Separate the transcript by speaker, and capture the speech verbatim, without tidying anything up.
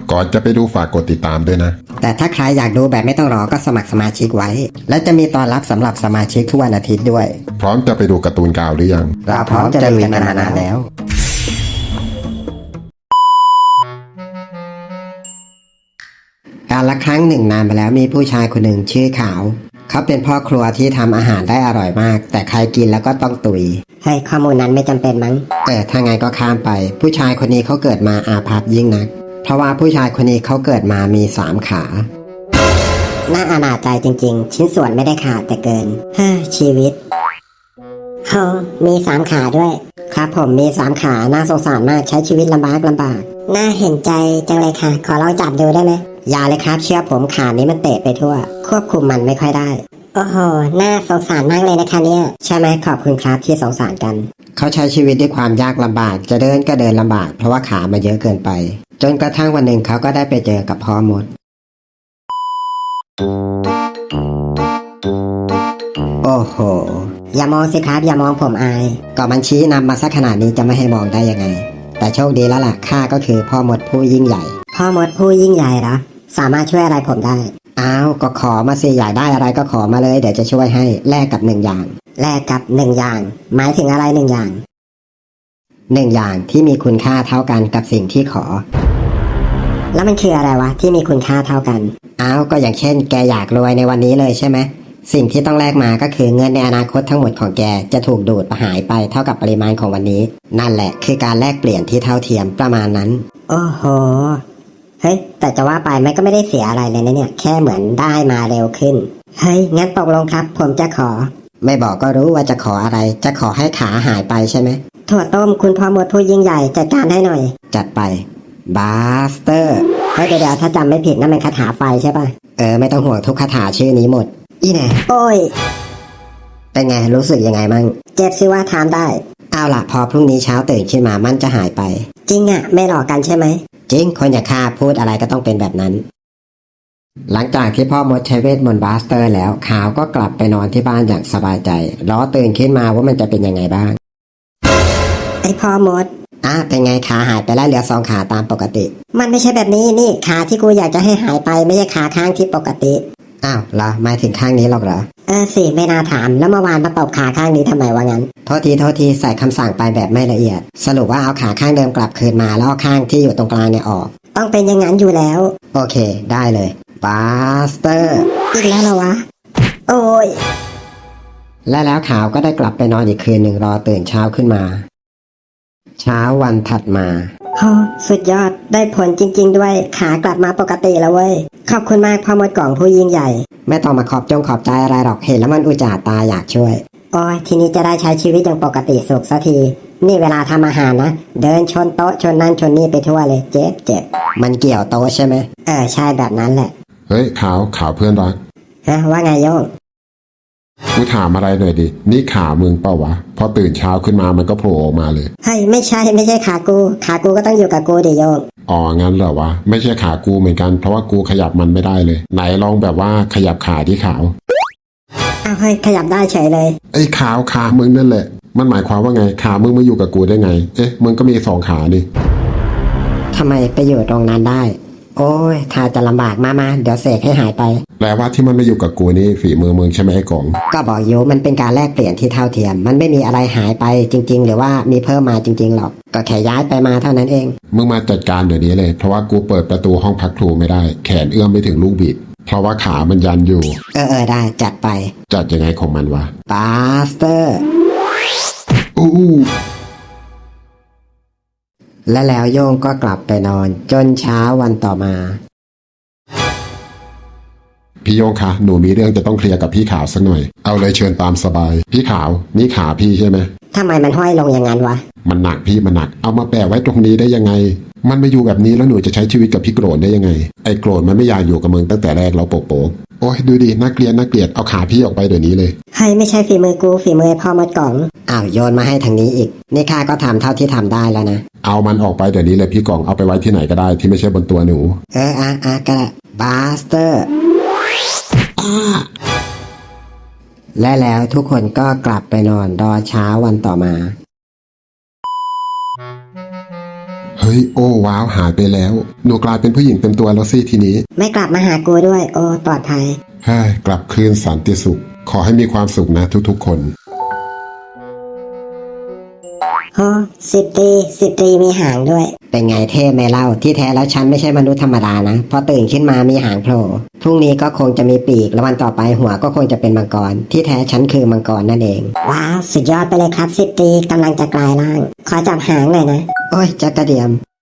Speaker 1: ก่อนจะไปดูฝากกดติดตามด้วยนะ
Speaker 2: แต่ถ้าใครอยากดูแบบไม่ต้องรอก็สมัครสมาชิกไว้และจะมีตอนรับสำหรับสมาชิกทุกวันอาทิตย์ด้วย
Speaker 1: พร้อมจะไปดูการ์ตูนกาวหรือยัง
Speaker 2: เราพร้อมจะลุยกันมานานแล้วการละครั้งหนึ่งนานมาแล้วมีผู้ชายคนหนึ่งชื่อขาวเขาเป็นพ่อครัวที่ทำอาหารได้อร่อยมากแต่ใครกินแล้วก็ต้องตุยให้ข้อมูลนั้นไม่จำเป็นมั้งเออถ้าไงก็ข้ามไปผู้ชายคนนี้เขาเกิดมาอาภัพยิ่งนักเพราะว่าผู้ชายคนนี้เขาเกิดมามีสามขาน่าอนาจใจจริงๆชิ้นส่วนไม่ได้ขาดแต่เกินเฮ้อชีวิตโฮมีสามขาด้วยครับผมมีสามขาน่าสงสารมากใช้ชีวิตลำบากลำบากน่าเห็นใจจังเลยค่ะขอลองจับดูได้ไหมอย่าเลยครับเชื่อผมขานี้มันเตะไปทั่วควบคุมมันไม่ค่อยได้โอ้โหน่าสงสารมากเลยนะคะเนี่ยใช่ไหมขอบคุณครับที่สงสารกันเขาใช้ชีวิตด้วยความยากลำบากจะเดินก็เดินลำบากเพราะว่าขามาเยอะเกินไปจนกระทั่งวันหนึ่งเขาก็ได้ไปเจอกับพ่อมดโอ้โหอย่ามองสิครับอย่ามองผมอายก็มันชี้นำมาสักขนาดนี้จะไม่ให้มองได้ยังไงแต่โชคดีแล้วล่ะข้าก็คือพ่อมดผู้ยิ่งใหญ่พ่อมดผู้ยิ่งใหญ่เหรอสามารถช่วยอะไรผมได้อ้าวก็ขอมาสิอยากได้อะไรก็ขอมาเลยเดี๋ยวจะช่วยให้แลกกับหนึ่งอย่างแลกกับหนึ่งอย่างหมายถึงอะไรหนึ่งอย่างหนึ่งอย่างที่มีคุณค่าเท่ากันกับสิ่งที่ขอแล้วมันคืออะไรวะที่มีคุณค่าเท่ากันอ้าวก็อย่างเช่นแกอยากรวยในวันนี้เลยใช่ไหมสิ่งที่ต้องแลกมาก็คือเงินในอนาคตทั้งหมดของแกจะถูกดูดหายไปเท่ากับปริมาณของวันนี้นั่นแหละคือการแลกเปลี่ยนที่เท่าเทียมประมาณนั้นโอ้โหเฮ้ยแต่จะว่าไปมันก็ไม่ได้เสียอะไรเลยนะเนี่ยแค่เหมือนได้มาเร็วขึ้นเฮ้ยงั้นตกลงครับผมจะขอไม่บอกก็รู้ว่าจะขออะไรจะขอให้ขาหายไปใช่ไหมถั่วต้มคุณพ่อมดผู้ยิ่งใหญ่จัดการให้หน่อยจัดไปบาสเตอร์เฮ้ยเดี๋ยวถ้าจำไม่ผิดนั่นเป็นคาถาไฟใช่ป่ะเออไม่ต้องห่วงทุกคาถาชื่อนี้หมดอีแน่โอ้ยเป็นไงรู้สึกยังไงมั่งเจ็บสิว่าทำได้เอาล่ะพอพรุ่งนี้เช้าตื่นขึ้นมามันจะหายไปจริงอ่ะไม่หลอกกันใช่ไหมจริงคนอย่างข้าพูดอะไรก็ต้องเป็นแบบนั้นหลังจากที่พ่อมดใช้เวทมนต์บาสเตอร์แล้วขาวก็กลับไปนอนที่บ้านอย่างสบายใจรอตื่นขึ้นมาว่ามันจะเป็นยังไงบ้างไอพ่อมดอ่ะเป็นไงขาหายไปแล้วเหลือสองขาตามปกติมันไม่ใช่แบบนี้นี่ขาที่กูอยากจะให้หายไปไม่ใช่ขาข้างที่ปกติอ้าวเหรอหมายถึงข้างนี้หรอกเหรอเออสิไม่น่าถามแล้วเมื่อวานมาตบขาข้างนี้ทำไมวะงั้นโทษทีโทษทีใส่คำสั่งไปแบบไม่ละเอียดสรุปว่าเอาขาข้างเดิมกลับคืนมาแล้วเอาข้างที่อยู่ตรงกลางเนี่ยออกต้องเป็นอย่างนั้นอยู่แล้วโอเคได้เลยบาสเตอร์อีกแล้วเหรอวะโอ้ยและแล้วขาวก็ได้กลับไปนอนอีกคืนหนึ่งรอตื่นเช้าขึ้นมาเช้าวันถัดมาโอ้สุดยอดได้ผลจริงๆด้วยขากลับมาปกติแล้วเว้ยขอบคุณมากพ่อมดกล่องผู้ยิ่งใหญ่ไม่ต้องมาขอบจงขอบใจอะไรหรอกเห็นแล้วมันอุจจาตาอยากช่วยโอ้ยทีนี้จะได้ใช้ชีวิตอย่างปกติสุขสักทีนี่เวลาทำอาหารนะเดินชนโต๊ะชนนั่นชนนี่ไปทั่วเลยเจ็บเจ็บมันเกี่ยวโต๊ะใช่ไหมเออใช่แบบนั้นแหละ
Speaker 1: เฮ้ยขาวขาวเพื่อนรัก
Speaker 2: ฮะว่าไงโยง
Speaker 1: กูถามอะไรหน่อยดินี่ขามึงเปล่าวะพอตื่นเช้าขึ้นมามันก็โผล่ออกมาเลย
Speaker 2: เฮ้ยไม่ใช่ไม่ใช่ขากูขากูก็ต้องอยู่กับกูดิโยง
Speaker 1: อ๋องั้นเหรอวะไม่ใช่ขากูเหมือนกันเพราะว่ากูขยับมันไม่ได้เลยไหนลองแบบว่าขยับขาที่ขาว
Speaker 2: อ้าวเฮ้ยขยับได้เฉยเลย
Speaker 1: ไอ้ขาวขามึงนั่นแหละมันหมายความว่าไงขามึงมาอยู่กับกูได้ไงเอ๊ะมึงก็มีสองขาดิ
Speaker 2: ทำไมไปอยู่ตรงนั้นได้โอ้ยถ้าจะลำบากมากๆเดี๋ยวเสกให้หายไป
Speaker 1: แปลว่าที่มันมาอยู่กับกูนี่ฝีมือมึงใช่ไหมไอ้กล่อง
Speaker 2: ก็บอกอยู่มันเป็นการแลกเปลี่ยนที่เท่าเทียมมันไม่มีอะไรหายไปจริงๆหรือว่ามีเพิ่มมาจริงๆหรอกก็แค่ย้ายไปมาเท่านั้นเอง
Speaker 1: มึงมาจัดการเดี๋ยวนี้เลยเพราะว่ากูเปิดประตูห้องพักครูไม่ได้แขนเอื้อมไม่ถึงลูกบิดเพราะว่าขามันยันอยู่
Speaker 2: เออเออได้จัดไป
Speaker 1: จัดยังไงของมันวะ
Speaker 2: บาสเตอร์
Speaker 1: อู้
Speaker 2: และแล้วโยงก็กลับไปนอนจนเช้าวันต่อมา
Speaker 1: พี่โยงคะหนูมีเรื่องจะต้องเคลียร์กับพี่ขาวสักหน่อยเอาเลยเชิญตามสบายพี่ขาวนี่ขาพี่ใช่ไหม
Speaker 2: ทำไมมันห้อยลงอย่างนั้นวะ
Speaker 1: มันหนักพี่มันหนักเอามาแปะไว้ตรงนี้ได้ยังไงมันมาอยู่แบบนี้แล้วหนูจะใช้ชีวิตกับพี่โกรธได้ยังไงไอ้โกรธมันไม่อยากอยู่กับมึงตั้งแต่แรกเราโปะๆโอ้ยดูดิน่าเกลียดน่าเกลียดเอาขาพี่ออกไปเดี๋ยวนี้เลย
Speaker 2: ให้ไม่ใช่ฝีมือกูฝีมือพ่อมดกล่องอ้าวโยนมาให้ทางนี้อีกนี่ข้าก็ทำเท่าที่ทำได้แล้วนะ
Speaker 1: เอามันออกไปเดี๋ยวนี้เลยพี่กล่องเอาไปไว้ที่ไหนก็ได้ที่ไม่ใช่บนตัวหนู
Speaker 2: เอออ่ะอ่ะก็ได้บาสเตอร์และแล้วทุกคนก็กลับไปนอนรอเช้าวันต่อมา
Speaker 1: เฮ้ยโอ้ว้าวหายไปแล้วหนูกลายเป็นผู้หญิงเต็มตัวแล้วสิทีนี้
Speaker 2: ไม่กลับมาหากูด้วย โอ้ปลอดภัย
Speaker 1: เฮ้ยกลับคืนสันติสุข ขอให้มีความสุขนะทุกๆคน
Speaker 2: โอ้สิบตรีสิบตรีมีหางด้วย เป็นไงเท่ไหมเล่าที่แท้แล้วฉันไม่ใช่มนุษย์ธรรมดานะพอตื่นขึ้นมามีหางโผล่พรุ่งนี้ก็คงจะมีปีกแล้ววันต่อไปหัวก็คงจะเป็นมังกรที่แท้ฉันคือมังกรนั่นเองว้าวสุดยอดไปเลยครับสิบตรีกำลังจะกลายร่างขอจับหางหน่อยนะโอ้ยจักกระเดียม